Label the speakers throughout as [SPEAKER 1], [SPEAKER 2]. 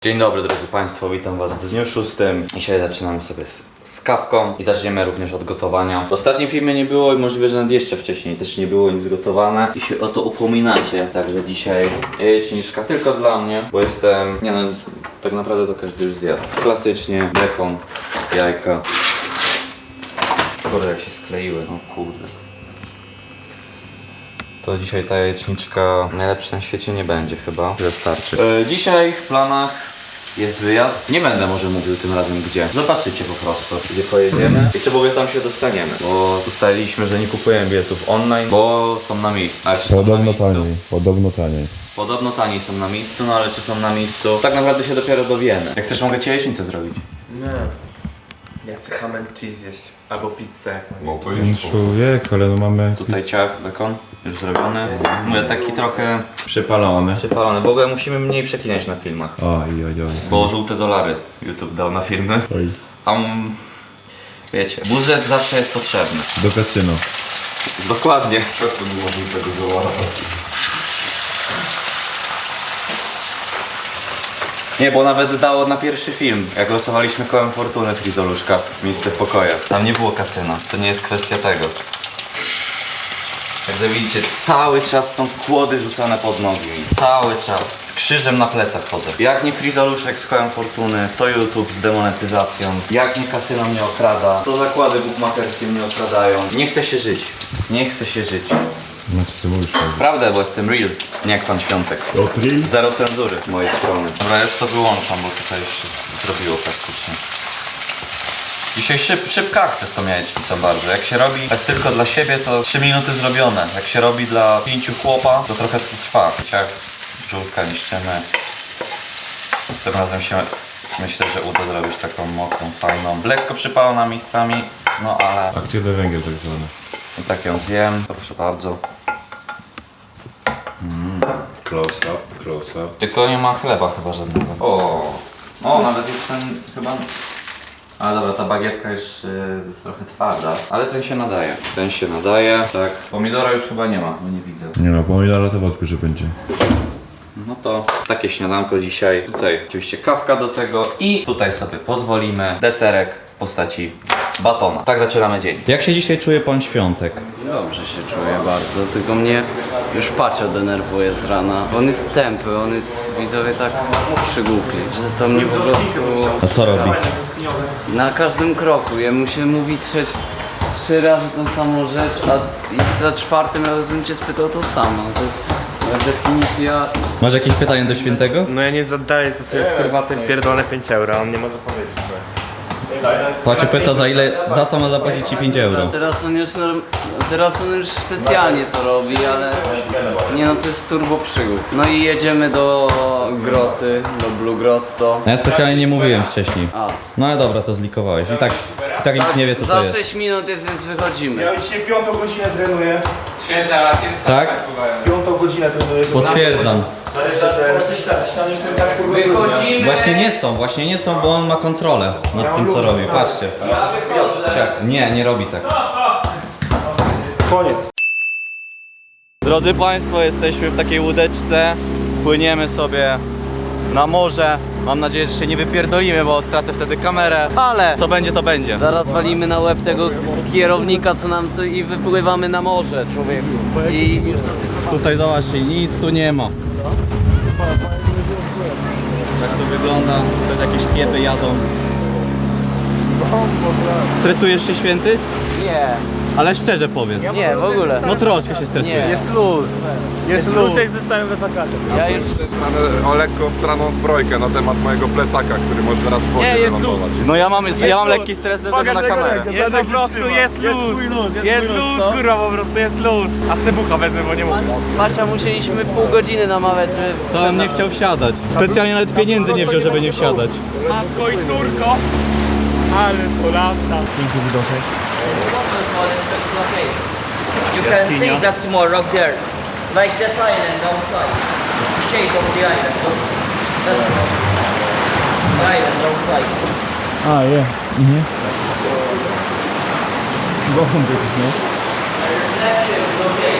[SPEAKER 1] Dzień dobry drodzy Państwo, witam Was w dniu 6. Dzisiaj zaczynamy sobie z kawką i zaczniemy również od gotowania. W ostatnim filmie nie było i możliwe, że nawet jeszcze wcześniej też nie było nic gotowane i się o to upominacie. Także dzisiaj jajeczniczka tylko dla mnie, bo jestem, nie no, tak naprawdę to każdy już zjadł. Klasycznie bekon, jajka. Kurde, jak się skleiły, no kurde. To dzisiaj ta jajeczniczka najlepsza na świecie nie będzie chyba. Wystarczy. Dzisiaj w planach jest wyjazd. Nie będę może mówił tym razem gdzie. Zobaczycie po prostu, gdzie pojedziemy i czy w ogóle tam się dostaniemy. Bo ustaliliśmy, że nie kupujemy biletów online, bo są na miejscu. Ale czy są
[SPEAKER 2] Podobno
[SPEAKER 1] na miejscu?
[SPEAKER 2] taniej, podobno taniej.
[SPEAKER 1] Podobno taniej są na miejscu, no ale czy są na miejscu? Tak naprawdę się dopiero dowiemy. Jak chcesz, mogę ci jajecznicę zrobić.
[SPEAKER 3] Nie. Ja chcę ham and cheese jeść. Albo pizzę jakąś.
[SPEAKER 2] No człowiek, ale no mamy
[SPEAKER 1] Tutaj ciach, bekon, już zrobiony. Mówię, taki trochę
[SPEAKER 2] przypalony.
[SPEAKER 1] przypalony. W ogóle musimy mniej przeklinać na filmach.
[SPEAKER 2] Oj.
[SPEAKER 1] Bo żółte dolary YouTube dał na filmy.
[SPEAKER 2] Oj.
[SPEAKER 1] Tam, wiecie, budżet zawsze jest potrzebny.
[SPEAKER 2] Do kasyno.
[SPEAKER 1] Dokładnie.
[SPEAKER 2] Przez to było żółtego dolara.
[SPEAKER 1] Nie, bo nawet dało na pierwszy film, jak losowaliśmy kołem fortuny Frizoluszka, miejsce w pokojach. Tam nie było kasyna, to nie jest kwestia tego. Także widzicie, cały czas są kłody rzucane pod nogi mi. Cały czas. Z krzyżem na plecach chodzę. Jak nie Frizoluszek z kołem fortuny, to YouTube z demonetyzacją. Jak nie kasyno mnie okrada, to zakłady bukmacherskie mnie okradają. Nie chce się żyć. Nie chce się żyć.
[SPEAKER 2] No co ty mówisz?
[SPEAKER 1] Prawda, bo jestem real, nie jak pan Świątek.
[SPEAKER 2] Real?
[SPEAKER 1] Zero cenzury z mojej strony. Dobra, już to wyłączam, bo tutaj już się zrobiło praktycznie. Dzisiaj szybka akcja z tą jajecznicą bardzo. Jak się robi tak tylko dla siebie, to 3 minuty zrobione. Jak się robi dla 5 chłopa, to trochę trwa. Ciach, żółtka niszczymy. Tym razem się myślę, że uda zrobić taką mokrą, fajną. Lekko przypalona miejscami, no ale
[SPEAKER 2] Aktywny węgiel tak zwany.
[SPEAKER 1] i tak ją zjem. Proszę bardzo.
[SPEAKER 2] Close up.
[SPEAKER 1] Tylko nie ma chleba chyba żadnego. O, nawet jest ten chyba... Ale dobra, ta bagietka już jest trochę twarda. Ale ten się nadaje. Ten się nadaje, tak. Pomidora już chyba nie ma, bo nie widzę.
[SPEAKER 2] Nie no, pomidora to wątpię, że będzie.
[SPEAKER 1] No to takie śniadanko dzisiaj. Tutaj oczywiście kawka do tego i tutaj sobie pozwolimy deserek w postaci batona. Tak zaczynamy dzień. Jak się dzisiaj czuje pan Świątek?
[SPEAKER 4] Dobrze się czuję bardzo, tylko mnie już Pacio denerwuje z rana. On jest tępy, on jest, widzowie, tak przygłupi, że to mnie po prostu
[SPEAKER 1] A co robi?
[SPEAKER 4] na każdym kroku, jemu się mówi trzy razy tą samą rzecz, a i za czwartym razem cię spytał to samo. To jest definicja.
[SPEAKER 1] Masz jakieś pytanie do Świętego?
[SPEAKER 3] No ja nie zadaję to co jest kurwa te pierdolone 5 euro, a on nie może powiedzieć.
[SPEAKER 1] Pacio pyta za co ma zapłacić ci 5
[SPEAKER 4] A
[SPEAKER 1] euro.
[SPEAKER 4] teraz on już specjalnie to robi, ale nie no, to jest turbo przygód. No i jedziemy do groty, do Blue Grotto.
[SPEAKER 1] Ja specjalnie nie mówiłem wcześniej.
[SPEAKER 4] A.
[SPEAKER 1] No ale dobra, to zlikowałeś. I tak nikt nie wie co to
[SPEAKER 4] Za
[SPEAKER 1] jest.
[SPEAKER 4] 6 minut jest, więc wychodzimy.
[SPEAKER 5] Ja już się 5 godzinę trenuję.
[SPEAKER 1] Tak?
[SPEAKER 5] 5 godzinę trenuję.
[SPEAKER 1] Potwierdzam.
[SPEAKER 4] Wychodzimy!
[SPEAKER 1] Właśnie nie są, bo on ma kontrolę nad tym co robi. Patrzcie. Nie robi tak.
[SPEAKER 5] Koniec.
[SPEAKER 1] Drodzy Państwo, jesteśmy w takiej łódeczce. Płyniemy sobie na morze. Mam nadzieję, że się nie wypierdolimy, bo stracę wtedy kamerę. Ale co będzie, to będzie.
[SPEAKER 4] Zaraz walimy na łeb tego kierownika, co nam tu i wypływamy na morze, człowieku. I już
[SPEAKER 1] Tutaj zobaczcie, nic tu nie ma. Tak to wygląda. Też jakieś kieby jadą. Stresujesz się, Święty?
[SPEAKER 4] nie,
[SPEAKER 1] Ale szczerze powiedz.
[SPEAKER 4] nie, w ogóle.
[SPEAKER 1] No troszkę się stresujesz.
[SPEAKER 4] Nie.
[SPEAKER 5] Jest luz. Jest luz jak zostałem we wakacjach.
[SPEAKER 4] Ja już...
[SPEAKER 6] Mamy o lekko obsraną zbrojkę na temat mojego plecaka, który może zaraz w wodzie
[SPEAKER 5] Nie, jest
[SPEAKER 6] wylądować.
[SPEAKER 1] No ja mam lekki stres ze względu na kamerę.
[SPEAKER 5] Jest po prostu, jest luz. Jest luz, kurwa, po prostu jest luz. A sebucha wezmę, bo nie mogę.
[SPEAKER 4] Pacia, musieliśmy pół godziny namawiać, żeby...
[SPEAKER 1] To on nie chciał wsiadać. Specjalnie nawet pieniędzy nie wziął, żeby nie wsiadać.
[SPEAKER 5] Matko i córko. Ale to lata. Piękny widoczek.
[SPEAKER 7] You can see that small rock there, like that island outside. The shape of the island. Look. The island outside.
[SPEAKER 5] A, je. Bochum jakiś, nie?
[SPEAKER 7] Reflection is okay.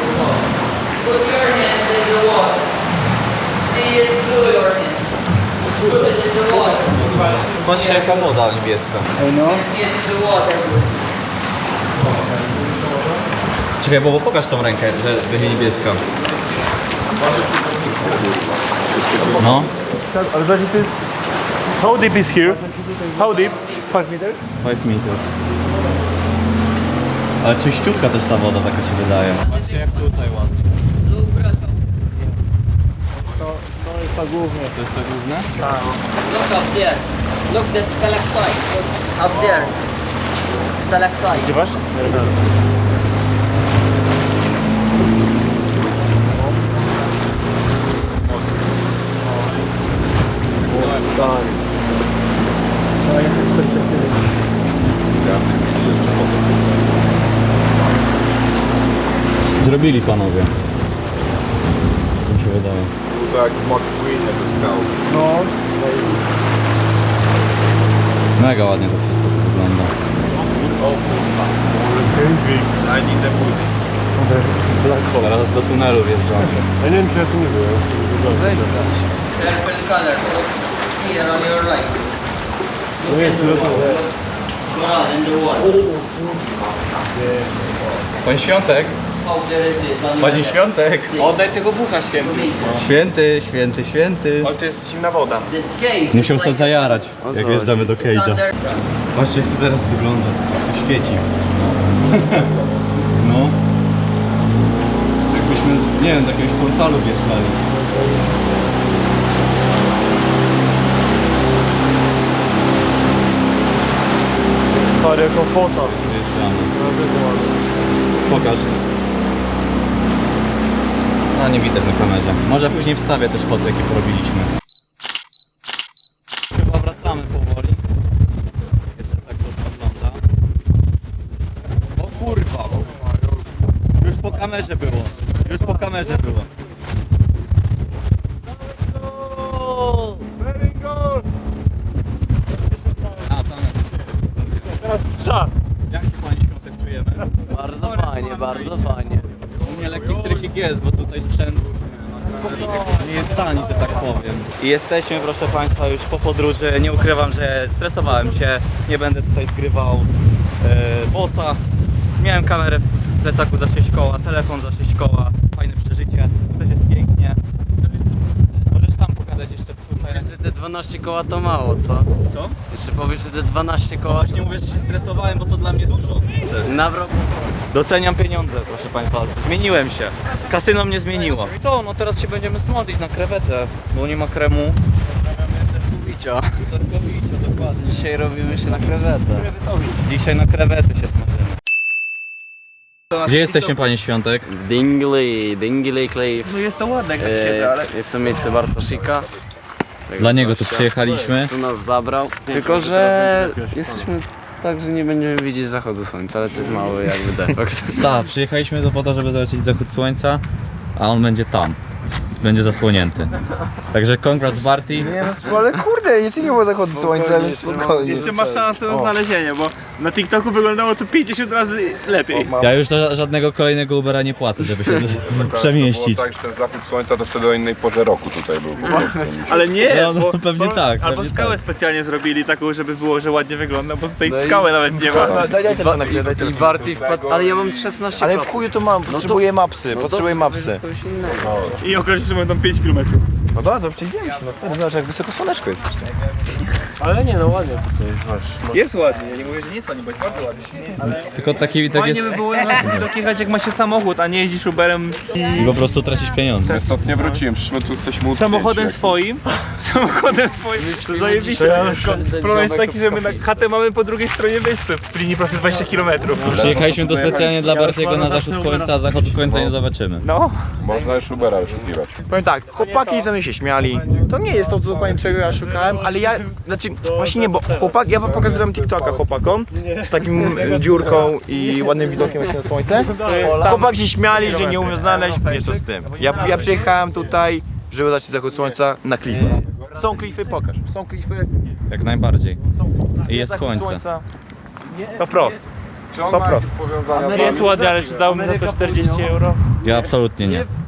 [SPEAKER 7] Put your hands in the water. See it through your hands.
[SPEAKER 1] Patrzcie jaka woda niebieska.
[SPEAKER 7] Yes, the water.
[SPEAKER 1] Czekaj, bo pokaż tą rękę, że będzie niebieska. No.
[SPEAKER 5] Ale właśnie to jest... How deep is here? How deep? 5 meters?
[SPEAKER 1] 5 metrów. Ale czyściutka też ta woda taka się wydaje. Patrzcie jak tutaj ładnie.
[SPEAKER 5] To jest ta głównie.
[SPEAKER 1] To jest to główne?
[SPEAKER 7] Look up there. Look, that stalactite. Look, up there. Stalactite.
[SPEAKER 5] Zgrywasz?
[SPEAKER 1] Zrobili panowie. Mi się wydaje.
[SPEAKER 6] To jak w McQueenie te skały.
[SPEAKER 5] No.
[SPEAKER 1] Mega ładnie to wszystko tu wygląda. Teraz do tunelu wjeżdżamy.
[SPEAKER 2] Ja nie wiem, czy ja tu nie byłem.
[SPEAKER 7] Purple color. Look here on your right. Coral in the wall.
[SPEAKER 1] Pan Świątek!
[SPEAKER 7] How there it is on
[SPEAKER 1] Panie
[SPEAKER 7] your
[SPEAKER 1] Świątek!
[SPEAKER 5] Oddaj tego bucha święty.
[SPEAKER 1] Święty, święty, święty.
[SPEAKER 5] Ale to jest zimna woda.
[SPEAKER 7] This cave.
[SPEAKER 1] Musiał
[SPEAKER 7] is
[SPEAKER 1] sobie
[SPEAKER 7] like
[SPEAKER 1] zajarać, jak wjeżdżamy do
[SPEAKER 7] it's
[SPEAKER 1] Cage'a.
[SPEAKER 7] under-
[SPEAKER 1] Patrzcie jak to teraz wygląda. To świeci. No. Jakbyśmy, nie wiem, do jakiegoś portalu wjeżdżali.
[SPEAKER 5] Stary, jako fota.
[SPEAKER 1] Wjeżdżamy. Pokaż. No nie widać na kamerze. Może później wstawię też foty, jakie porobiliśmy. Chyba wracamy powoli. Jeszcze tak to wygląda. O kurwa! Już po kamerze było. Już po kamerze było.
[SPEAKER 5] Very good.
[SPEAKER 1] A, tam
[SPEAKER 5] Teraz strzał.
[SPEAKER 1] jak się pani Świątek czujemy?
[SPEAKER 4] Bardzo fajnie, bardzo fajnie.
[SPEAKER 1] U mnie lekki stresik jest, bo tutaj sprzęt nie jest tani, że tak powiem. I jesteśmy, proszę Państwa, już po podróży. Nie ukrywam, że stresowałem się. Nie będę tutaj zgrywał bossa. Miałem kamerę w plecaku za 6 koła, telefon za 6 koła. Fajne przeżycie. Też jest pięknie. Możesz tam pokazać jeszcze tutaj.
[SPEAKER 4] Jeszcze te 12 koła to mało, co?
[SPEAKER 1] Co?
[SPEAKER 4] Jeszcze powiesz, że te 12 koła
[SPEAKER 1] Właśnie mówię, że się stresowałem, bo to dla mnie dużo.
[SPEAKER 4] na wrog.
[SPEAKER 1] Doceniam pieniądze, proszę Państwa. Zmieniłem się. Kasyno mnie zmieniło. Co? No teraz się będziemy smodlić na krewetę, bo nie ma kremu.
[SPEAKER 4] Bicia.
[SPEAKER 1] Dokładnie.
[SPEAKER 4] Dzisiaj robimy się na krewetę.
[SPEAKER 1] Dzisiaj na krewety się smażymy. Gdzie jesteśmy, Panie Świątek?
[SPEAKER 4] Dingley Cliffs.
[SPEAKER 5] No jest to ładne, jak tak siedzę, ale...
[SPEAKER 4] Jest to miejsce Bartosika.
[SPEAKER 1] Dla niego tu przyjechaliśmy.
[SPEAKER 4] Tu nas zabrał. Tylko, że jesteśmy tak, że nie będziemy widzieć zachodu słońca, ale to jest mały jakby defekt.
[SPEAKER 1] Tak, przyjechaliśmy do po to, żeby zobaczyć zachód słońca, a on będzie tam. Będzie zasłonięty. Także congrats Barty.
[SPEAKER 8] No, ale kurde, jeszcze nie było zachodu słońca, ale spokojnie.
[SPEAKER 5] Jeszcze masz szansę na znalezienie, bo na TikToku wyglądało to 50 razy lepiej.
[SPEAKER 1] Ja już żadnego kolejnego Ubera nie płacę, żeby się przemieścić.
[SPEAKER 6] To było tak, że ten zachód słońca to wtedy o innej porze roku tutaj był po prostu.
[SPEAKER 5] Ale nie,
[SPEAKER 1] No,
[SPEAKER 5] bo,
[SPEAKER 1] pewnie tak,
[SPEAKER 5] Albo
[SPEAKER 1] pewnie
[SPEAKER 5] skałę
[SPEAKER 1] tak.
[SPEAKER 5] specjalnie zrobili taką, żeby było, że ładnie wygląda, bo tutaj skały nawet nie ma.
[SPEAKER 8] Daj telefon na chwilę, daj
[SPEAKER 4] I
[SPEAKER 8] telefon.
[SPEAKER 4] Barty wpadł, ale ja mam 16%.
[SPEAKER 8] Ale w chuju to mam, potrzebuję mapsy, potrzebuję mapsy.
[SPEAKER 4] Kogoś innego.
[SPEAKER 5] I okaże się, że będą 5 km.
[SPEAKER 8] No dobra, to przejdziemy się, no stary, zobacz jak wysoko słoneczko jest jeszcze.
[SPEAKER 5] Ale nie, no ładnie tutaj masz. Jest ładnie, ja nie mówię, że nie jest ładnie, bo jest bardzo ładnie.
[SPEAKER 1] Tylko taki widok
[SPEAKER 5] Fajnie
[SPEAKER 1] jest
[SPEAKER 5] by było widok jechać jak ma się samochód, a nie jeździsz Uberem
[SPEAKER 1] i po prostu tracisz pieniądze.
[SPEAKER 6] Istotnie wróciłem, przyszliśmy tu jesteśmy utknięci
[SPEAKER 5] samochodem
[SPEAKER 6] jak-
[SPEAKER 5] swoim. Samochodem swoim, to zajebiście. Problem jest taki, że my na chatę mamy po drugiej stronie wyspy, w linii prosto 20 km.
[SPEAKER 1] Przyjechaliśmy tu specjalnie dla Bartiego na zachód słońca, a zachodu słońca nie zobaczymy.
[SPEAKER 5] No,
[SPEAKER 6] Można już Ubera wyszukiwać.
[SPEAKER 8] Powiem tak, chłopaki ze mnie się śmiali. To nie jest to, co dokładnie czego ja szukałem, ale ja, znaczy, właśnie nie, bo chłopak, ja wam pokazywałem TikToka chłopakom z takim dziurką i ładnym widokiem właśnie na słońce. Chłopaki się śmiali, że nie umiem znaleźć, mniejsza z tym. Ja przyjechałem tutaj, żeby zobaczyć zachód słońca na klify. Są klify, pokaż. Są klify,
[SPEAKER 1] Jak najbardziej. I jest
[SPEAKER 8] zachód
[SPEAKER 1] słońce.
[SPEAKER 8] słońca.
[SPEAKER 5] to prosto.
[SPEAKER 6] Czy on ma jakieś powiązania z
[SPEAKER 5] Jest ładnie, ale czy dałbym za to 40 euro?
[SPEAKER 1] Ja absolutnie nie.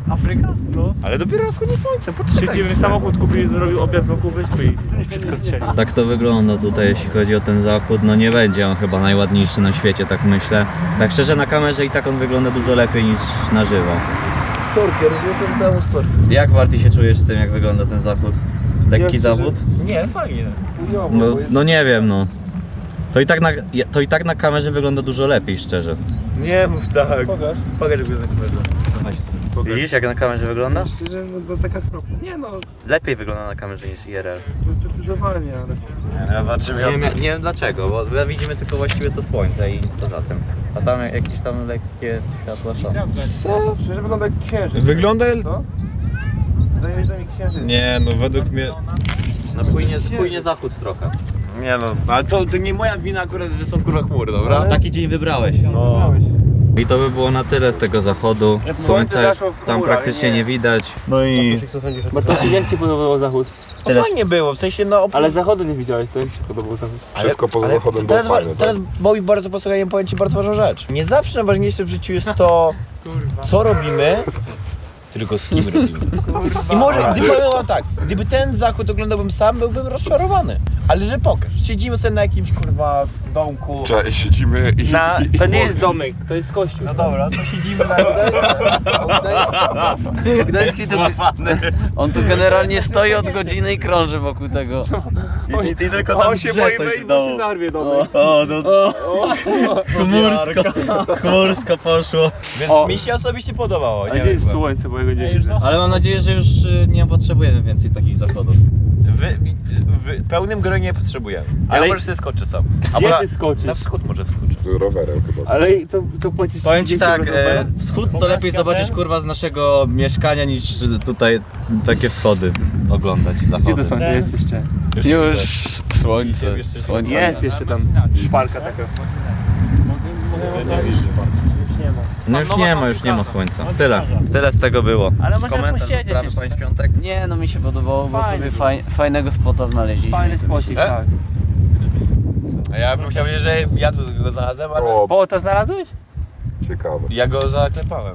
[SPEAKER 4] Afryka?
[SPEAKER 5] No.
[SPEAKER 8] Ale dopiero wschodnie słońce, poczekaj.
[SPEAKER 5] Siedzimy, samochód kupili, zrobił objazd wokół wyspy i wszystko strzeli.
[SPEAKER 1] Tak to wygląda tutaj, jeśli chodzi o ten zachód. No nie będzie on chyba najładniejszy na świecie, tak myślę. Tak szczerze, na kamerze i tak on wygląda dużo lepiej niż na żywo.
[SPEAKER 8] Storkę, rozumiem tę samą storkę.
[SPEAKER 1] Jak Barty się czujesz z tym, jak wygląda ten zachód? Lekki zawód?
[SPEAKER 8] Nie, fajnie.
[SPEAKER 1] No nie wiem, no. To i tak na kamerze wygląda dużo lepiej, szczerze.
[SPEAKER 8] Nie mów tak. Pokaż jak go
[SPEAKER 1] Widzisz, jak na kamerze wygląda?
[SPEAKER 8] Szczerze, no to taka kropla. Nie no,
[SPEAKER 1] Lepiej wygląda na kamerze niż IRL.
[SPEAKER 8] zdecydowanie, ale...
[SPEAKER 1] Ja nie wiem dlaczego, bo widzimy tylko właściwie to słońce i nic poza tym. A tam jakieś tam lekkie światła są.
[SPEAKER 8] Co? Szczerze wygląda jak księżyc.
[SPEAKER 2] Wygląda...
[SPEAKER 8] Co? Zajeżdża mi księżyc.
[SPEAKER 2] Nie, no według mnie...
[SPEAKER 1] No płynie zachód trochę.
[SPEAKER 8] Nie no, ale to nie moja wina akurat, że są kurwa chmury, dobra?
[SPEAKER 1] Taki dzień wybrałeś.
[SPEAKER 2] No.
[SPEAKER 1] I to by było na tyle z tego zachodu. Słońca już
[SPEAKER 5] zaszło w
[SPEAKER 1] tam
[SPEAKER 5] chmurach,
[SPEAKER 1] praktycznie nie widać.
[SPEAKER 2] No i...
[SPEAKER 5] Bartosz, jak ci podobał zachód?
[SPEAKER 8] No fajnie było, w sensie no...
[SPEAKER 5] Ale zachodu nie widziałeś, to jak ci podobał zachód?
[SPEAKER 6] Wszystko poza zachodem było fajne,
[SPEAKER 8] teraz Bobby bardzo posłuchaj, powiem ci bardzo ważną rzecz. Nie zawsze najważniejsze w życiu jest to, co robimy, tylko z kim robimy. I może, gdyby powiem wam tak, gdyby ten zachód oglądałbym sam, byłbym rozczarowany. Ale że pokaż, siedzimy sobie na jakimś kurwa domku.
[SPEAKER 6] Cześć, siedzimy i...
[SPEAKER 5] To nie jest domek, to jest kościół.
[SPEAKER 8] No dobra, to siedzimy na
[SPEAKER 4] Gdański to on tu generalnie stoi od godziny i krąży wokół tego.
[SPEAKER 2] I tylko
[SPEAKER 5] On się boi wejść, bo się zarwie domek.
[SPEAKER 1] Chmursko poszło.
[SPEAKER 8] Więc mi się osobiście podobało.
[SPEAKER 5] A gdzie jest słońce, bo ja go nie widzę.
[SPEAKER 1] Ale mam nadzieję, że już nie potrzebujemy więcej takich zachodów.
[SPEAKER 8] W pełnym gronie potrzebujemy.
[SPEAKER 5] Ale-
[SPEAKER 8] Ale może sobie skoczę sam.
[SPEAKER 5] Gdzie
[SPEAKER 8] na,
[SPEAKER 5] ty skoczysz?
[SPEAKER 8] na wschód może wskoczę.
[SPEAKER 6] Rowerem chyba.
[SPEAKER 5] Ale to płacisz
[SPEAKER 1] Powiem ci
[SPEAKER 5] 30
[SPEAKER 1] tak,
[SPEAKER 5] rowerem?
[SPEAKER 1] wschód to lepiej zobaczyć kurwa z naszego mieszkania niż tutaj takie wschody oglądać,
[SPEAKER 5] Gdzie
[SPEAKER 1] zachody.
[SPEAKER 5] to są? Gdzie jesteście?
[SPEAKER 4] Już słońce. Słońce.
[SPEAKER 5] Jest jeszcze tam szparka taka.
[SPEAKER 1] No już nie ma słońca. Tyle z tego było.
[SPEAKER 5] Ale można
[SPEAKER 1] Komentarz do
[SPEAKER 5] posiedzieć
[SPEAKER 1] sprawy
[SPEAKER 5] jeszcze.
[SPEAKER 1] Pań Świątek.
[SPEAKER 4] Nie, no mi się podobało, bo
[SPEAKER 5] Fajnie
[SPEAKER 4] sobie fajnego spota znaleźliśmy.
[SPEAKER 5] Fajny spocik, tak.
[SPEAKER 8] A ja bym chciał powiedzieć, że ja tu go znalazłem, ale
[SPEAKER 6] O,
[SPEAKER 5] O, to znalazłeś?
[SPEAKER 6] ciekawe.
[SPEAKER 8] ja go zaklepałem.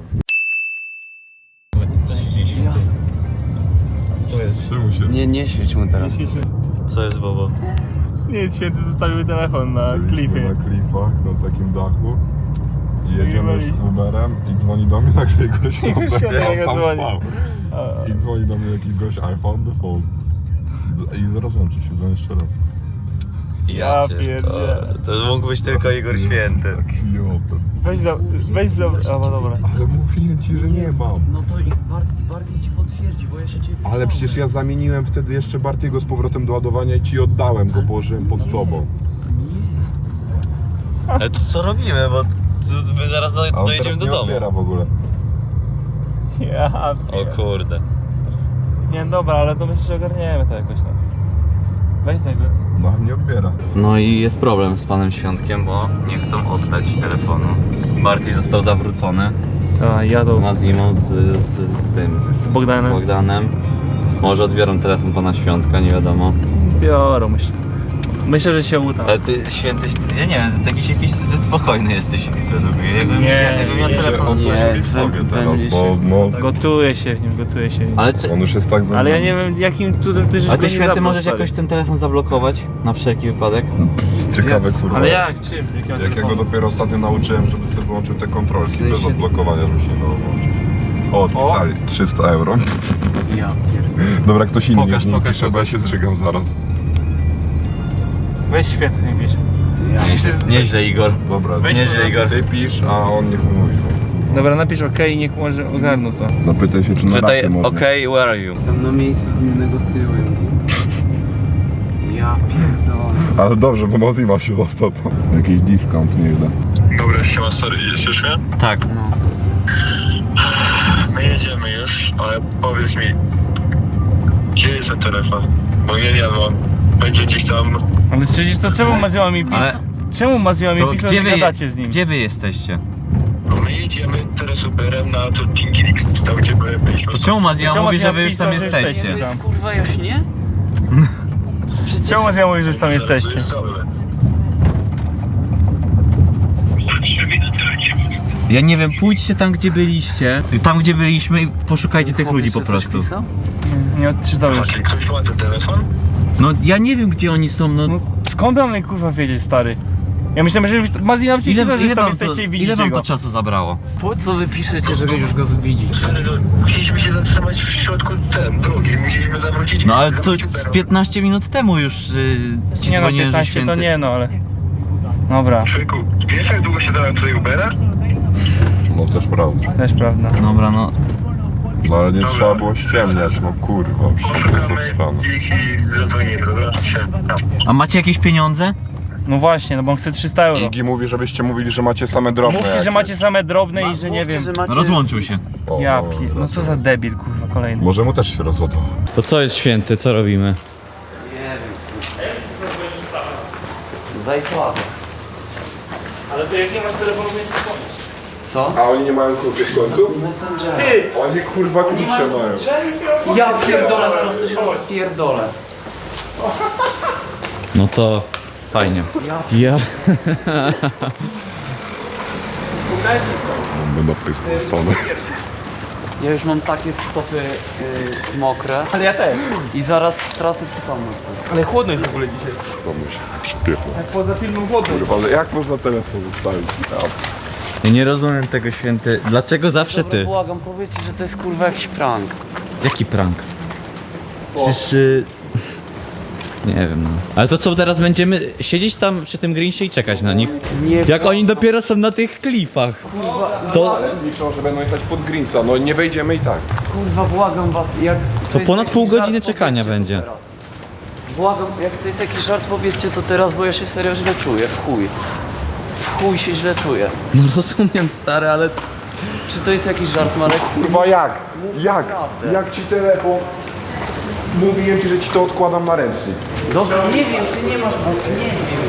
[SPEAKER 1] Co się dzieje?
[SPEAKER 2] Co jest?
[SPEAKER 6] Czemu się...
[SPEAKER 4] Nie świeć mu teraz.
[SPEAKER 1] Co jest, Bobo?
[SPEAKER 5] Nie, święty zostawił telefon na
[SPEAKER 6] Byliśmy
[SPEAKER 5] klifie.
[SPEAKER 6] na klifach, na takim dachu. I jedziemy
[SPEAKER 5] byli.
[SPEAKER 6] z Uberem i dzwoni do mnie nagle gość.
[SPEAKER 5] Świętego
[SPEAKER 6] tam
[SPEAKER 5] dzwoni.
[SPEAKER 6] spał. I dzwoni do mnie jakiś gość, I found the phone. I rozłączy się, dzwoni jeszcze raz.
[SPEAKER 5] Ja pierdzielę.
[SPEAKER 1] To mógł być tylko Igor Święty.
[SPEAKER 6] Tak jopem.
[SPEAKER 5] Weź za... O, no dobra.
[SPEAKER 6] Ale mówiłem ci, że nie mam.
[SPEAKER 4] No to i Barty ci potwierdzi, bo ja się ciebie
[SPEAKER 6] Ale przecież ja zamieniłem wtedy jeszcze Bartiego z powrotem do ładowania i ci oddałem go, położyłem pod tobą.
[SPEAKER 1] Ale to co robimy, bo my zaraz
[SPEAKER 6] A on teraz
[SPEAKER 1] dojedziemy do
[SPEAKER 6] nie
[SPEAKER 1] domu.
[SPEAKER 6] odbiera w ogóle.
[SPEAKER 5] Ja
[SPEAKER 1] O kurde.
[SPEAKER 5] Nie, dobra, ale to myślę, że ogarniemy to jakoś, no. Weź tego.
[SPEAKER 6] No, a nie odbiera.
[SPEAKER 1] No i jest problem z panem Świątkiem, bo nie chcą oddać telefonu. Bardziej został zawrócony.
[SPEAKER 5] A, jadą
[SPEAKER 1] Z Zimą, z tym,
[SPEAKER 5] z Bogdanem.
[SPEAKER 1] z Bogdanem. Może odbiorą telefon pana Świątka, nie wiadomo.
[SPEAKER 5] Biorą, myślę. Myślę, że się uda.
[SPEAKER 1] Ale ty, Święty, ja nie wiem, ty jakiś zbyt spokojny jesteś według mnie. Jakbym miał
[SPEAKER 6] Ja się
[SPEAKER 1] telefon
[SPEAKER 6] odwrócił w sobie teraz,
[SPEAKER 4] będzie
[SPEAKER 6] bo
[SPEAKER 4] się-
[SPEAKER 6] no,
[SPEAKER 5] Gotuje się w nim, gotuje się w nim.
[SPEAKER 1] Ale, czy,
[SPEAKER 6] on już jest tak za
[SPEAKER 5] Ale ja nie wiem, jakim cudem ty żeś
[SPEAKER 1] a
[SPEAKER 5] go
[SPEAKER 1] ty
[SPEAKER 5] nie
[SPEAKER 1] Święty
[SPEAKER 5] zabrał,
[SPEAKER 1] możesz
[SPEAKER 5] stary.
[SPEAKER 1] jakoś ten telefon zablokować? Na wszelki wypadek?
[SPEAKER 6] ciekawe kurwa.
[SPEAKER 5] Ale jak? Czym? Jakiego
[SPEAKER 6] Jak ja go
[SPEAKER 5] telefonu?
[SPEAKER 6] dopiero ostatnio nauczyłem, żeby sobie wyłączył te kontrolki
[SPEAKER 4] W sensie-
[SPEAKER 6] bez odblokowania, żeby się nie dało włączyć. O, odpisali. 300 euro.
[SPEAKER 4] Ja pierdolę.
[SPEAKER 6] Dobra, ktoś inny
[SPEAKER 1] Pokaż,
[SPEAKER 6] już nie
[SPEAKER 1] pokaż,
[SPEAKER 6] pisze, bo ja się zżygam zaraz.
[SPEAKER 5] Weź Święty z nim pisz.
[SPEAKER 1] Nieźle, Igor.
[SPEAKER 6] Dobra,
[SPEAKER 5] Weź
[SPEAKER 1] Nieźle, Igor.
[SPEAKER 6] ty pisz, a on niech mówi.
[SPEAKER 5] Dobra, napisz OK i niech może ogarną to.
[SPEAKER 6] Zapytaj się, czy na
[SPEAKER 1] Tutaj,
[SPEAKER 6] raty można.
[SPEAKER 1] okej, where are you?
[SPEAKER 4] Tam na miejscu z nim negocjują. Ja pierdolę.
[SPEAKER 6] Ale dobrze, bo Mozima się został to. Jakiś discount niech da.
[SPEAKER 9] Dobra, siema, sorry, słyszysz mnie?
[SPEAKER 1] Tak.
[SPEAKER 9] My jedziemy już, ale powiedz mi, gdzie jest ten telefon? Bo ja nie mam. Będzie gdzieś tam...
[SPEAKER 5] Ale przecież to czemu Mazioła mi pisał?
[SPEAKER 1] Ale
[SPEAKER 5] Czemu Mazioła mi
[SPEAKER 1] to
[SPEAKER 5] pisał,
[SPEAKER 1] gdzie
[SPEAKER 5] że
[SPEAKER 1] wy,
[SPEAKER 5] gadacie z nim?
[SPEAKER 1] gdzie wy jesteście?
[SPEAKER 9] No my jedziemy teraz Uberem na to Tingirik, tam gdzie byliśmy.
[SPEAKER 1] To czemu Mazja
[SPEAKER 5] Czemu
[SPEAKER 1] mówi,
[SPEAKER 5] Mazja
[SPEAKER 1] że wy już tam
[SPEAKER 5] pisał, że
[SPEAKER 1] jesteście?
[SPEAKER 4] To jest kurwa Jośnie?
[SPEAKER 5] Czemu Mazioła mówi, że tam jesteście?
[SPEAKER 9] Za 3 minuty lecimy.
[SPEAKER 1] Ja nie wiem, pójdźcie tam, gdzie byliście. Tam, gdzie byliśmy i poszukajcie tych ludzi po prostu.
[SPEAKER 5] Nie odczytałeś.
[SPEAKER 9] A czy ktoś ma ten telefon?
[SPEAKER 1] No ja nie wiem, gdzie oni są, no.
[SPEAKER 5] No skąd mam kurwa wiedzieć, stary? Ja myślałem, że Mazina ci
[SPEAKER 1] Ile,
[SPEAKER 5] że
[SPEAKER 1] ile,
[SPEAKER 5] tam
[SPEAKER 1] wam to,
[SPEAKER 5] jesteście i
[SPEAKER 1] ile
[SPEAKER 5] widzicie
[SPEAKER 1] wam
[SPEAKER 5] go.
[SPEAKER 1] to czasu zabrało?
[SPEAKER 4] Po co wy piszecie, że już go widzicie?
[SPEAKER 9] Stary, no, chcieliśmy się zatrzymać w środku drogi, musieliśmy zawrócić.
[SPEAKER 1] No ale to
[SPEAKER 9] zawrócić
[SPEAKER 1] z
[SPEAKER 9] Ubera.
[SPEAKER 1] 15 minut temu już ci
[SPEAKER 5] Nie no,
[SPEAKER 1] dzwoniłem, że
[SPEAKER 5] 15
[SPEAKER 1] święty.
[SPEAKER 5] to nie no, ale... Dobra,
[SPEAKER 9] Człowieku, wiesz jak długo się zająłem tutaj Ubera?
[SPEAKER 6] No też prawda.
[SPEAKER 5] też prawda.
[SPEAKER 1] Dobra, no.
[SPEAKER 6] No ale nie trzeba było ściemniać, no kurwa, przecież to jest obstrane.
[SPEAKER 9] Ich i zadzwonimy, dobra?
[SPEAKER 1] A macie jakieś pieniądze?
[SPEAKER 5] No właśnie, no bo on chce 300 euro.
[SPEAKER 6] Igi mówi, żebyście mówili, że macie same drobne.
[SPEAKER 5] Mówcie, że
[SPEAKER 6] jakieś.
[SPEAKER 5] macie same drobne i że nie wiem.
[SPEAKER 1] Rozłączył się.
[SPEAKER 6] O,
[SPEAKER 5] Ja
[SPEAKER 6] no,
[SPEAKER 5] no co za debil, kurwa, kolejny.
[SPEAKER 6] Może mu też się rozładował.
[SPEAKER 1] To co jest święty, co robimy?
[SPEAKER 4] Zajkłada.
[SPEAKER 5] Ale to jak nie masz telefonu, to jest zapomnieć.
[SPEAKER 4] Co?
[SPEAKER 6] A oni nie mają kluczy w końcu?
[SPEAKER 4] Messenger.
[SPEAKER 6] Oni kurwa klucze mają.
[SPEAKER 4] Ja pierdolę, zaraz coś rozpierdolę.
[SPEAKER 1] No to fajnie. Ja.
[SPEAKER 6] Będę napisał zostanę.
[SPEAKER 4] Ja już mam takie stopy mokre.
[SPEAKER 5] Ale ja też.
[SPEAKER 4] I zaraz stracę przytomność.
[SPEAKER 5] Ale chłodno jest w ogóle dzisiaj.
[SPEAKER 6] To musi śpiewno.
[SPEAKER 5] Jak poza filmem chłodno.
[SPEAKER 6] Kurwa, ale jak można telefon zostawić?
[SPEAKER 1] Ja nie rozumiem tego, święty. Dlaczego zawsze ty?
[SPEAKER 4] Błagam, powiedzcie, że to jest kurwa jakiś prank.
[SPEAKER 1] Jaki prank? Przecież... Nie wiem, no. Ale to co, teraz będziemy siedzieć tam przy tym Grinchie i czekać na nich?
[SPEAKER 4] Nie
[SPEAKER 1] Jak oni dopiero są na tych klifach. To,
[SPEAKER 6] Liczą, że będą jechać pod Greensa, no nie wejdziemy i tak.
[SPEAKER 4] kurwa, błagam was, jak...
[SPEAKER 1] to
[SPEAKER 4] jest
[SPEAKER 1] ponad
[SPEAKER 4] jakiś
[SPEAKER 1] pół
[SPEAKER 4] żart,
[SPEAKER 1] godziny czekania
[SPEAKER 4] powiedzcie
[SPEAKER 1] będzie.
[SPEAKER 4] to teraz. Błagam, jak to jest jakiś żart, powiedzcie to teraz, bo ja się serio źle czuję, w chuj. W chuj się źle czuję.
[SPEAKER 1] No rozumiem, stary, ale...
[SPEAKER 4] Czy to jest jakiś żart, Marek?
[SPEAKER 6] Kurwa jak? Jak?
[SPEAKER 4] naprawdę.
[SPEAKER 6] Jak ci telefon? Mówiłem ci, że ci to odkładam na ręcznik.
[SPEAKER 4] Dobra, nie wiem, ty nie masz... Nie wiem.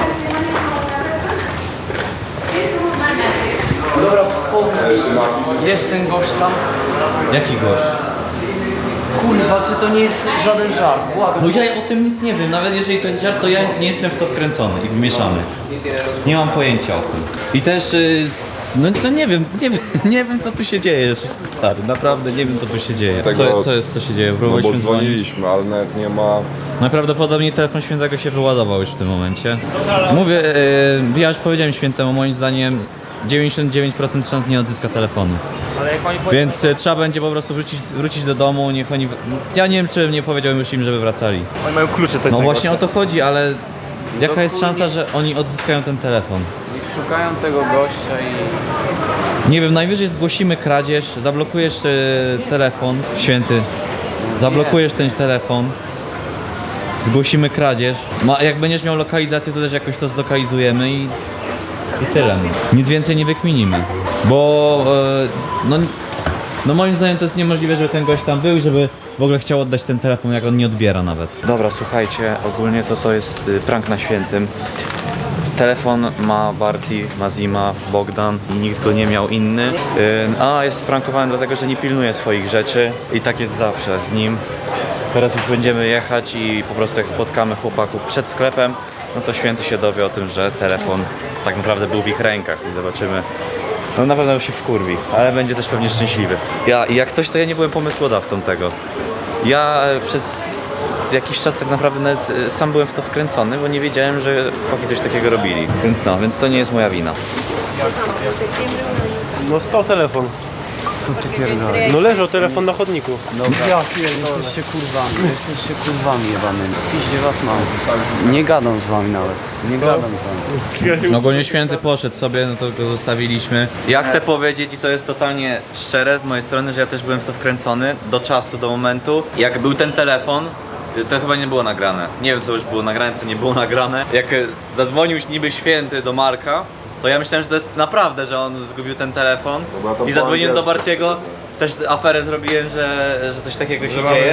[SPEAKER 4] Dobra, powiedz. Jest ten gość tam?
[SPEAKER 1] Jaki gość?
[SPEAKER 4] Kurwa, czy to nie jest żaden żart? Błagam.
[SPEAKER 1] No ja o tym nic nie wiem, nawet jeżeli to jest żart, to ja nie jestem w to wkręcony i wmieszany. Nie mam pojęcia o tym. I też... No nie wiem, nie wiem co tu się dzieje, stary, naprawdę nie wiem co tu się dzieje.
[SPEAKER 6] Tego-
[SPEAKER 1] Co się dzieje?
[SPEAKER 6] No bo
[SPEAKER 1] Próbowaliśmy dzwonić.
[SPEAKER 6] dzwoniliśmy, ale nawet nie ma...
[SPEAKER 1] Najprawdopodobniej telefon świętego się wyładował już w tym momencie. Mówię, ja już powiedziałem świętemu, moim zdaniem 99% szans nie odzyska telefonu.
[SPEAKER 5] Ale jak oni
[SPEAKER 1] Więc trzeba będzie po prostu wrócić do domu, niech oni... Ja nie wiem, czy nie powiedziałem już im, żeby wracali.
[SPEAKER 5] Oni mają klucze, to jest
[SPEAKER 1] No właśnie o
[SPEAKER 5] najgorsze.
[SPEAKER 1] to chodzi, ale jaka jest szansa, że oni odzyskają ten telefon?
[SPEAKER 4] Szukają tego gościa i...
[SPEAKER 1] Nie wiem, najwyżej zgłosimy kradzież, zablokujesz telefon, święty, zablokujesz ten telefon, zgłosimy kradzież. Jak będziesz miał lokalizację, to też jakoś to zlokalizujemy i tyle. Nic więcej nie wykminimy, bo no moim zdaniem to jest niemożliwe, żeby ten gość tam był i żeby w ogóle chciał oddać ten telefon, jak on nie odbiera nawet. Dobra, słuchajcie, ogólnie to jest prank na świętym. Telefon ma Barti, Mazima, Bogdan i nikt go nie miał inny. A jest sprankowany dlatego, że nie pilnuje swoich rzeczy i tak jest zawsze z nim. Teraz już będziemy jechać i po prostu jak spotkamy chłopaków przed sklepem, no to święty się dowie o tym, że telefon tak naprawdę był w ich rękach i zobaczymy. No na pewno się wkurwi, ale będzie też pewnie szczęśliwy. I jak coś, to ja nie byłem pomysłodawcą tego. Ja przez jakiś czas tak naprawdę nawet sam byłem w to wkręcony, bo nie wiedziałem, że chłopaki coś takiego robili. Więc to nie jest moja wina.
[SPEAKER 5] No stał telefon. No leżał telefon na chodniku.
[SPEAKER 4] Jesteście kurwami jebanymi. Piździe was mam. Nie gadam z wami nawet. Nie gadam z wami.
[SPEAKER 1] Ogólnie święty poszedł sobie, no to go zostawiliśmy. Ja chcę powiedzieć, i to jest totalnie szczere z mojej strony, że ja też byłem w to wkręcony do czasu, do momentu. Jak był ten telefon, to chyba nie było nagrane. Nie wiem, co już było nagrane, co nie było nagrane. Jak zadzwonił niby święty do Marka, to ja myślałem, że to jest naprawdę, że on zgubił ten telefon
[SPEAKER 6] Dobra, to
[SPEAKER 1] i
[SPEAKER 6] po
[SPEAKER 1] zadzwoniłem do
[SPEAKER 6] angielsku.
[SPEAKER 1] Bartiego
[SPEAKER 4] też aferę zrobiłem, że coś takiego się dzieje.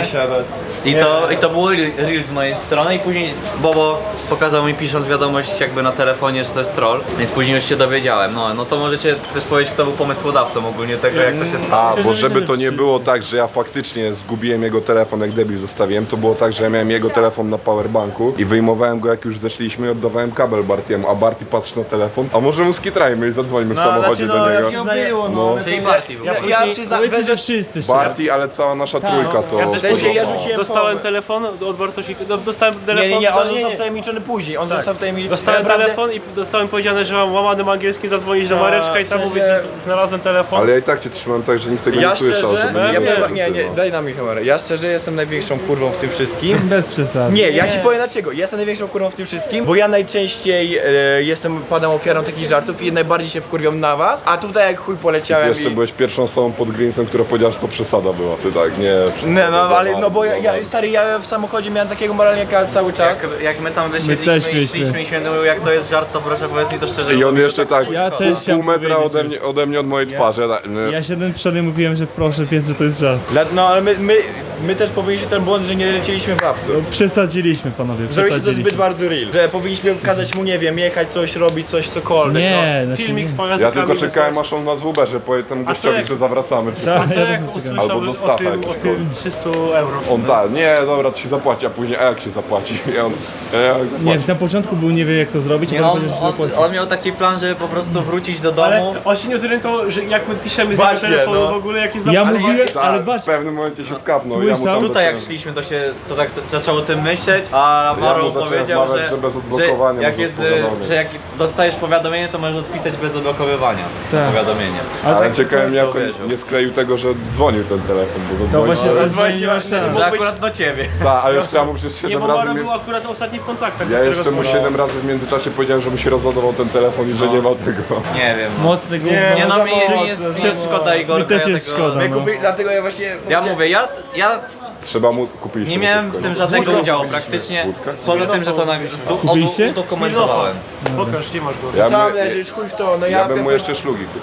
[SPEAKER 4] I to było real z mojej strony i później Bobo pokazał mi pisząc wiadomość jakby na telefonie, że to jest troll, więc później już się dowiedziałem. No to możecie też powiedzieć, kto był pomysłodawcą ogólnie tego, jak to się stało.
[SPEAKER 6] A, bo żeby to nie było tak, że ja faktycznie zgubiłem jego telefon, jak debil zostawiłem, to było tak, że ja miałem jego telefon na powerbanku i wyjmowałem go, jak już zeszliśmy, i oddawałem kabel Bartiemu, a Barty patrzy na telefon, a może mu skitrajmy i zadzwońmy w samochodzie do niego.
[SPEAKER 4] Czyli Barty był.
[SPEAKER 8] Ja przyznam,
[SPEAKER 5] że wszyscy
[SPEAKER 6] Barty, ale cała nasza trójka to...
[SPEAKER 5] Ja też
[SPEAKER 8] W sensie ja rzuciłem
[SPEAKER 5] dostałem
[SPEAKER 8] pomysł.
[SPEAKER 5] telefon od Bartosika, dostałem telefon.
[SPEAKER 8] Nie, on został wtajemniczony później, on został wtajemniczony.
[SPEAKER 5] Dostałem telefon i dostałem powiedziane, że mam łamanym angielskim zadzwonić do Mareczka i tam mówić, że znalazłem telefon.
[SPEAKER 6] Ale ja i tak cię trzymałem tak, że nikt tego
[SPEAKER 8] Ja
[SPEAKER 6] nie słyszał.
[SPEAKER 8] szczerze,
[SPEAKER 6] żeby
[SPEAKER 8] nie, daj nam mi kamerę. Ja szczerze jestem największą kurwą w tym wszystkim.
[SPEAKER 5] Bez przesady.
[SPEAKER 8] Nie, ja ci powiem dlaczego. Ja jestem największą kurwą w tym wszystkim, bo ja najczęściej padam ofiarą takich żartów i najbardziej się wkurwiam na was, a tutaj jak chuj
[SPEAKER 6] Ty
[SPEAKER 8] poleciałem
[SPEAKER 6] jeszcze byłeś pierwszą osobą pod Greensem, która powiedziała, że to przesada była. Ty tak, nie.
[SPEAKER 8] Nie, no ale no bo ja w samochodzie miałem takiego moralniaka cały czas.
[SPEAKER 4] Jak my tam wysiedliśmy i szliśmy i święty mówił, jak to jest żart, to proszę powiedz mi to szczerze.
[SPEAKER 6] I on jeszcze tak,
[SPEAKER 5] Ja też
[SPEAKER 6] pół metra ode mnie, od mojej twarzy. Ja tak, nie.
[SPEAKER 5] Ja siedem przodem mówiłem, że proszę, więc że to jest żart.
[SPEAKER 8] No ale my też powinniśmy ten błąd, że nie lecieliśmy w absurd.
[SPEAKER 5] Przesadziliśmy, panowie,
[SPEAKER 8] Zrobiliście to zbyt bardzo real, że powinniśmy kazać mu, nie wiem, jechać coś, robić coś, cokolwiek.
[SPEAKER 5] Nie,
[SPEAKER 8] no.
[SPEAKER 5] filmik z
[SPEAKER 6] Ja tylko czekałem, aż on nas w Uberze powie temu gościowi, że zawracamy. Czy
[SPEAKER 5] Tak,
[SPEAKER 6] coś.
[SPEAKER 5] ja też czekam.
[SPEAKER 6] Albo do Stacha.
[SPEAKER 5] o tym 300 euro.
[SPEAKER 6] On tak, nie, dobra, to się zapłaci, a później, a jak się zapłaci? I on, jak zapłaci?
[SPEAKER 5] Nie, na początku był nie wie jak to zrobić,
[SPEAKER 4] Nie,
[SPEAKER 5] a
[SPEAKER 4] on,
[SPEAKER 5] potem powiedział, że zapłaci.
[SPEAKER 4] on miał taki plan, żeby po prostu wrócić do domu.
[SPEAKER 5] Ale on się nie zorientował, że jak my piszemy z jego
[SPEAKER 8] Właśnie,
[SPEAKER 5] telefonu
[SPEAKER 8] no.
[SPEAKER 5] w ogóle jakieś
[SPEAKER 6] Ja
[SPEAKER 5] zapłaty.
[SPEAKER 6] mówiłem,
[SPEAKER 5] ale
[SPEAKER 6] tak,
[SPEAKER 5] patrz,
[SPEAKER 6] w pewnym momencie się skapnął. Ja mu
[SPEAKER 5] Słyszał?
[SPEAKER 6] tam
[SPEAKER 4] Tutaj jak
[SPEAKER 6] zacząłem-
[SPEAKER 4] szliśmy, to tak zaczął o tym myśleć, a Maro
[SPEAKER 6] mu zacząłem
[SPEAKER 4] powiedział,
[SPEAKER 6] wmawiać, że bez odblokowania
[SPEAKER 4] jak
[SPEAKER 6] może
[SPEAKER 4] jest,
[SPEAKER 6] spowodowanie.
[SPEAKER 4] że jak dostajesz powiadomienie, to możesz odpisać bez odblokowywania powiadomienie.
[SPEAKER 6] Ale ciekawe mnie, jak
[SPEAKER 4] to
[SPEAKER 6] on
[SPEAKER 4] wierzył.
[SPEAKER 6] nie skleił tego, że dzwonił ten telefon, bo
[SPEAKER 5] to
[SPEAKER 6] zadzwonił.
[SPEAKER 5] właśnie
[SPEAKER 6] ale-
[SPEAKER 5] zadzwoniła
[SPEAKER 4] Że akurat do ciebie.
[SPEAKER 6] Tak, a jeszcze ja mu przez
[SPEAKER 5] Nie,
[SPEAKER 6] 7
[SPEAKER 5] bo
[SPEAKER 6] razy...
[SPEAKER 5] Mara
[SPEAKER 6] mi-
[SPEAKER 5] był akurat ostatni w kontaktach.
[SPEAKER 6] Ja jeszcze mu 7 razy w międzyczasie powiedziałem, że mu się rozładował ten telefon i że nie ma tego.
[SPEAKER 4] Nie wiem.
[SPEAKER 5] Mocny gówno.
[SPEAKER 4] Nie no, mi
[SPEAKER 8] za
[SPEAKER 4] jest szkoda Igorka.
[SPEAKER 5] Mi też
[SPEAKER 4] ja
[SPEAKER 5] jest
[SPEAKER 4] tego-
[SPEAKER 5] szkoda.
[SPEAKER 8] My
[SPEAKER 5] No.
[SPEAKER 8] dlatego ja właśnie...
[SPEAKER 4] Ja mówię, ja
[SPEAKER 6] Trzeba mu kupić.
[SPEAKER 4] nie miałem w tym żadnego udziału praktycznie. Poza tym, że to
[SPEAKER 5] Kupiliście?
[SPEAKER 4] udokumentowałem.
[SPEAKER 5] Pokaż, nie masz go.
[SPEAKER 6] Ja
[SPEAKER 8] Tam
[SPEAKER 6] bym,
[SPEAKER 8] leżysz, chuj w to, no
[SPEAKER 6] ja bym mu jeszcze szlugi kupił.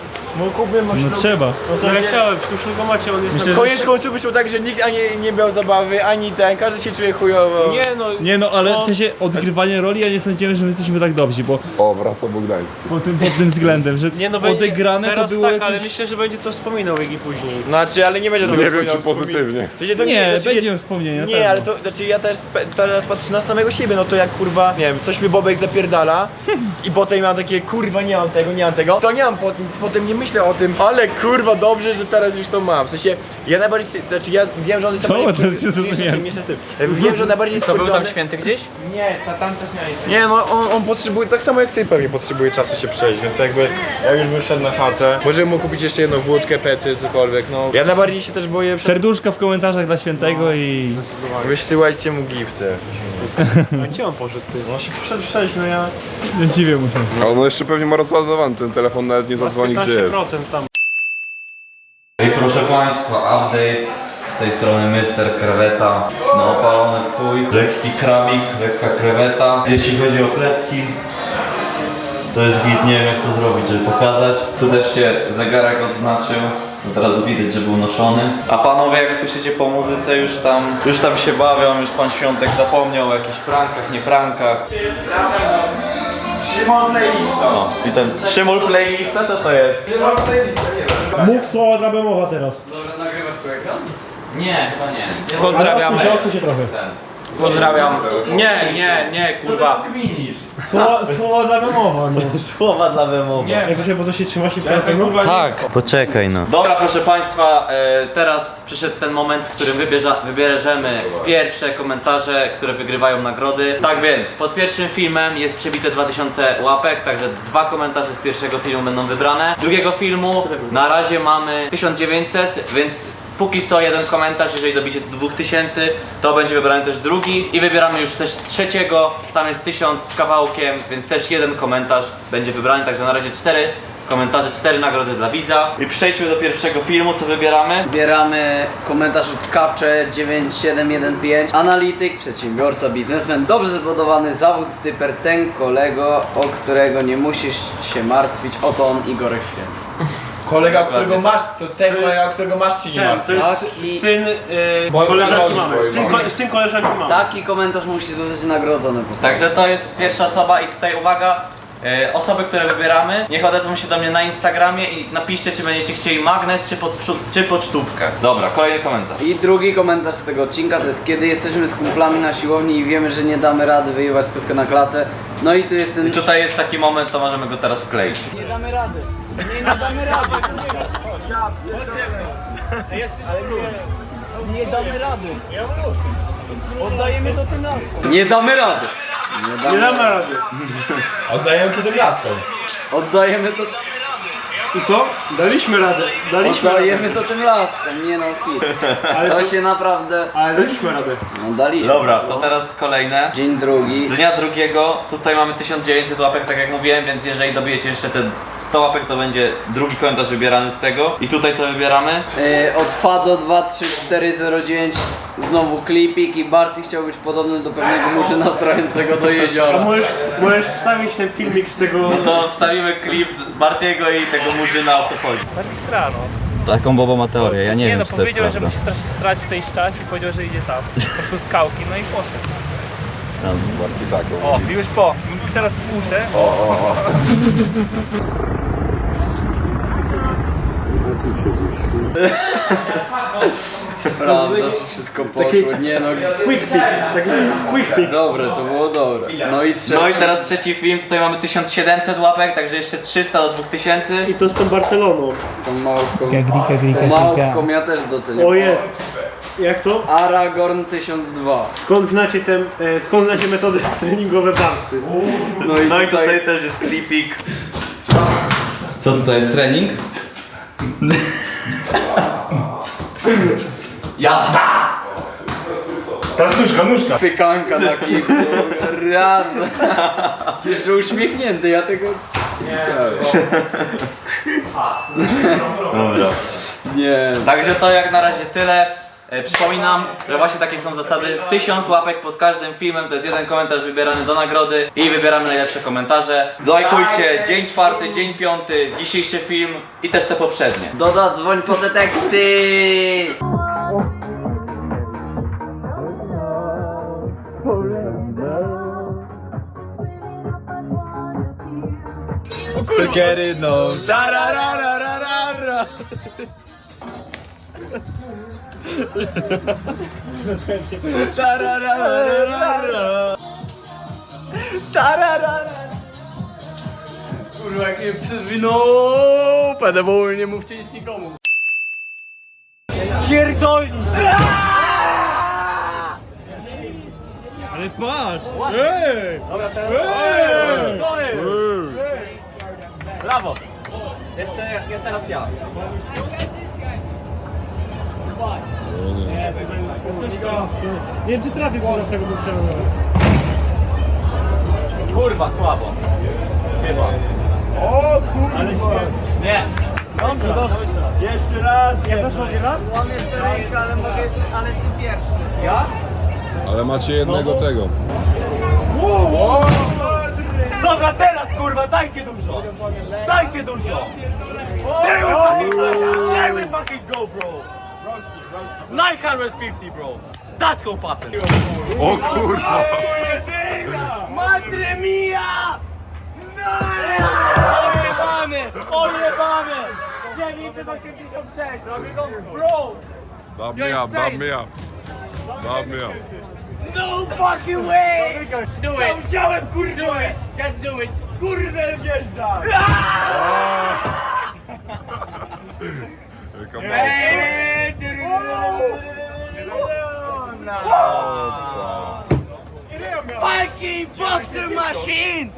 [SPEAKER 5] No trzeba. No ja chciałem, w tym szlugomacie on jest na...
[SPEAKER 8] Koniec końców wyszło tak, że nikt ani nie miał zabawy, ani ten, każdy się czuje chujowo.
[SPEAKER 5] Nie no, ale w sensie odgrywanie roli, ja nie sądziłem, że my jesteśmy tak dobrzy, bo
[SPEAKER 6] O, wraca Bogdański.
[SPEAKER 5] pod tym względem, że odegrane to było
[SPEAKER 10] tak, ale
[SPEAKER 5] jakieś...
[SPEAKER 10] myślę, że będzie to wspominał Iggy później.
[SPEAKER 8] Znaczy, ale nie będzie tego
[SPEAKER 6] Nie wiem,
[SPEAKER 8] wspominał
[SPEAKER 6] czy pozytywnie.
[SPEAKER 8] To
[SPEAKER 5] Nie,
[SPEAKER 8] znaczy,
[SPEAKER 5] będzie wspomnienia.
[SPEAKER 8] Nie, ale to, znaczy ja też teraz patrzę na samego siebie, no to jak kurwa, nie wiem, coś mi Bobek zapierdala i potem mam takie kurwa nie mam tego, to nie mam, potem nie myślę o tym, ale kurwa dobrze, że teraz już to mam, w sensie ja najbardziej, znaczy ja wiem, że on jest
[SPEAKER 5] Co?
[SPEAKER 8] najbardziej
[SPEAKER 5] To się zrozumiałem.
[SPEAKER 8] wiem, że on najbardziej jest
[SPEAKER 4] To był tam
[SPEAKER 8] wkurwiony.
[SPEAKER 4] święty gdzieś?
[SPEAKER 8] Nie, no on potrzebuje, tak samo jak ty pewnie potrzebuje czasu się przejść, więc jakby ja już bym szedł na chatę, możemy mu kupić jeszcze jedną wódkę, pety, cokolwiek, no. Ja najbardziej się też boję,
[SPEAKER 5] Serduszka w komentarzach dla świętego i...
[SPEAKER 8] wysyłajcie mu gifty.
[SPEAKER 10] A gdzie on poszedł, ty?
[SPEAKER 8] On się poszedł przejść, no ja...
[SPEAKER 5] Nie dziwię mu się.
[SPEAKER 6] A on jeszcze pewnie ma rozładowany, ten telefon nawet nie zadzwoni gdzie jest.
[SPEAKER 10] 15% tam.
[SPEAKER 1] I proszę Państwa, update z tej strony Mr. Kreweta. No opalony w chuj, lekki krabik, lekka kreweta. Jeśli chodzi o plecki, to jest git, nie wiem jak to zrobić, żeby pokazać. Tu też się zegarek odznaczył. Od razu widać, że był noszony. A panowie, jak słyszycie po muzyce, już tam się bawią, już pan Świątek zapomniał o jakichś prankach, nie prankach.
[SPEAKER 8] Szymon Playlista.
[SPEAKER 1] No, i ten Szymul Playlista, co to jest?
[SPEAKER 8] Szymon Playlista, nie wiem.
[SPEAKER 10] Mów słowa dla Bemowa teraz.
[SPEAKER 8] Dobra, nagrywasz tu ekran?
[SPEAKER 1] Nie, chyba nie.
[SPEAKER 10] Pozdrawiamy. Osuń się trochę.
[SPEAKER 1] Pozdrawiam. Nie, kurwa.
[SPEAKER 10] Słowa dla Bemowa, no.
[SPEAKER 1] Słowa dla wymowy.
[SPEAKER 10] Nie, bo to się trzyma się w telefonu.
[SPEAKER 1] Tak. Poczekaj no. Dobra, proszę Państwa, teraz przyszedł ten moment, w którym wybierzemy pierwsze komentarze, które wygrywają nagrody. Tak więc, pod pierwszym filmem jest przebite 2000 łapek, także 2 komentarze z pierwszego filmu będą wybrane. Z drugiego filmu na razie mamy 1900, więc póki co jeden komentarz, jeżeli dobicie 2000, to będzie wybrany też drugi. I wybieramy już też z trzeciego, tam jest 1000 z kawałkiem, więc też jeden komentarz będzie wybrany, także na razie 4 komentarze, 4 nagrody dla widza. I przejdźmy do pierwszego filmu, co wybieramy.
[SPEAKER 4] Wybieramy komentarz od Kapcze 9715. Analityk, przedsiębiorca, biznesmen, dobrze zbudowany zawód, typer, ten kolego, o którego nie musisz się martwić, oto on, Igorek Święty.
[SPEAKER 8] Kolega, którego masz, to ten kolega, którego masz się nie
[SPEAKER 10] Ten,
[SPEAKER 8] martwi.
[SPEAKER 10] to jest syn koleżanki mamy. Syn koleżanki mamy.
[SPEAKER 7] Taki komentarz musi zostać nagrodzony.
[SPEAKER 4] Także to jest pierwsza osoba i tutaj uwaga, osoby, które wybieramy, niech odezwą się do mnie na Instagramie i napiszcie, czy będziecie chcieli magnes, czy pocztówkę. Dobra, kolejny komentarz.
[SPEAKER 7] I drugi komentarz z tego odcinka to jest kiedy jesteśmy z kumplami na siłowni i wiemy, że nie damy rady wyjebać stówkę na klatę. No i tu jest ten...
[SPEAKER 4] I tutaj jest taki moment, to możemy go teraz wkleić.
[SPEAKER 7] Nie damy rady. Nie damy rady. Nie damy rady. Oddajemy to tym laskom. Nie damy rady.
[SPEAKER 10] Nie damy rady.
[SPEAKER 8] Oddajemy to tym laskom.
[SPEAKER 7] Oddajemy to...
[SPEAKER 10] I co? Daliśmy radę. Daliśmy radę.
[SPEAKER 7] Oddajemy to tym laskom. Nie no, hit.
[SPEAKER 10] Ale
[SPEAKER 7] To
[SPEAKER 10] co?
[SPEAKER 7] się naprawdę...
[SPEAKER 10] Ale daliśmy radę.
[SPEAKER 7] No daliśmy.
[SPEAKER 4] Dobra, to teraz kolejne.
[SPEAKER 7] Dzień drugi.
[SPEAKER 4] Z dnia drugiego, tutaj mamy 1900 łapek, tak jak mówiłem, więc jeżeli dobijecie jeszcze te 100 łapek, to będzie drugi komentarz wybierany z tego. I tutaj co wybieramy?
[SPEAKER 7] Od Fado 23409 znowu klipik i Barty chciał być podobny do pewnego murzyna strającego do
[SPEAKER 10] A
[SPEAKER 7] jeziora.
[SPEAKER 10] możesz wstawić ten filmik z tego...
[SPEAKER 4] No to wstawimy klip Bartiego i tego murzyna, o co chodzi.
[SPEAKER 5] Bardziej strano.
[SPEAKER 4] Taką Bobo ma teorię, ja nie,
[SPEAKER 5] Nie
[SPEAKER 4] wiem,
[SPEAKER 5] no,
[SPEAKER 4] czy to jest
[SPEAKER 5] powiedział, że
[SPEAKER 4] prawda.
[SPEAKER 5] musi strasznie strać w tej czas i powiedział, że idzie tam. Po prostu skałki, no i poszedł.
[SPEAKER 6] Bardziej tak.
[SPEAKER 5] O, już po. Teraz uczę.
[SPEAKER 7] Prawda, że wszystko poszło. Nie no,
[SPEAKER 10] Quick pick, taki quick pick.
[SPEAKER 7] dobre, to było dobre. No i trzeci.
[SPEAKER 4] No i teraz trzeci film, tutaj mamy 1700 łapek, także jeszcze 300 do 2000.
[SPEAKER 10] I to z tą Barceloną.
[SPEAKER 7] Z tą małpką. Z tą małpką ja też doceniam.
[SPEAKER 10] O jest. Jak to?
[SPEAKER 7] Aragorn 1002.
[SPEAKER 10] Skąd znacie metody treningowe Barcy?
[SPEAKER 4] No i tutaj też jest klipik. Co tutaj jest trening?
[SPEAKER 8] Teraz nóżka.
[SPEAKER 7] Pykanka na kipcu. Raz. Jeszcze uśmiechnięty, ja tego nie chciałem.
[SPEAKER 4] Dobra.
[SPEAKER 7] Nie.
[SPEAKER 4] Także to jak na razie tyle. Przypominam, że właśnie takie są zasady. 1000 łapek pod każdym filmem, to jest jeden komentarz wybierany do nagrody i wybieramy najlepsze komentarze. Lajkujcie dzień czwarty, dzień piąty, dzisiejszy film i też te poprzednie.
[SPEAKER 7] Doda, dzwoń po te teksty.
[SPEAKER 8] Get it, no. Tararararara. Tararararara. Tararara. Kurwa, jak mnie przezwinął. PDW, nie mówcie nic nikomu. Pierdolni.
[SPEAKER 2] Ale patrz! Ej!
[SPEAKER 7] Dobra, teraz...
[SPEAKER 4] Brawo! Jeszcze teraz ja.
[SPEAKER 10] Nie wiem, czy trafię w tego bokserza.
[SPEAKER 4] Kurwa, słabo. Chyba.
[SPEAKER 8] O kurwa.
[SPEAKER 10] Ale
[SPEAKER 4] Nie.
[SPEAKER 10] dobrze.
[SPEAKER 8] Jeszcze raz.
[SPEAKER 10] Ja też mogę raz?
[SPEAKER 7] Łamię rękę, ale mogę jeszcze, ale ty pierwszy.
[SPEAKER 4] Ja?
[SPEAKER 6] Ale macie jednego tego.
[SPEAKER 10] Dobra, teraz kurwa, dajcie dużo! Dajcie dużo! There we fucking go, bro! 950, bro! That's go poppin'!
[SPEAKER 6] O kurwa!
[SPEAKER 10] Madre mia! Ojebany! Ojebany! 986! Robię go, bro!
[SPEAKER 6] Dab me up, dab me up. Dab me up.
[SPEAKER 10] No fucking way! Do it! Chciałem, kurde! Do it! Just do it! Kurde, wjeżdżaj!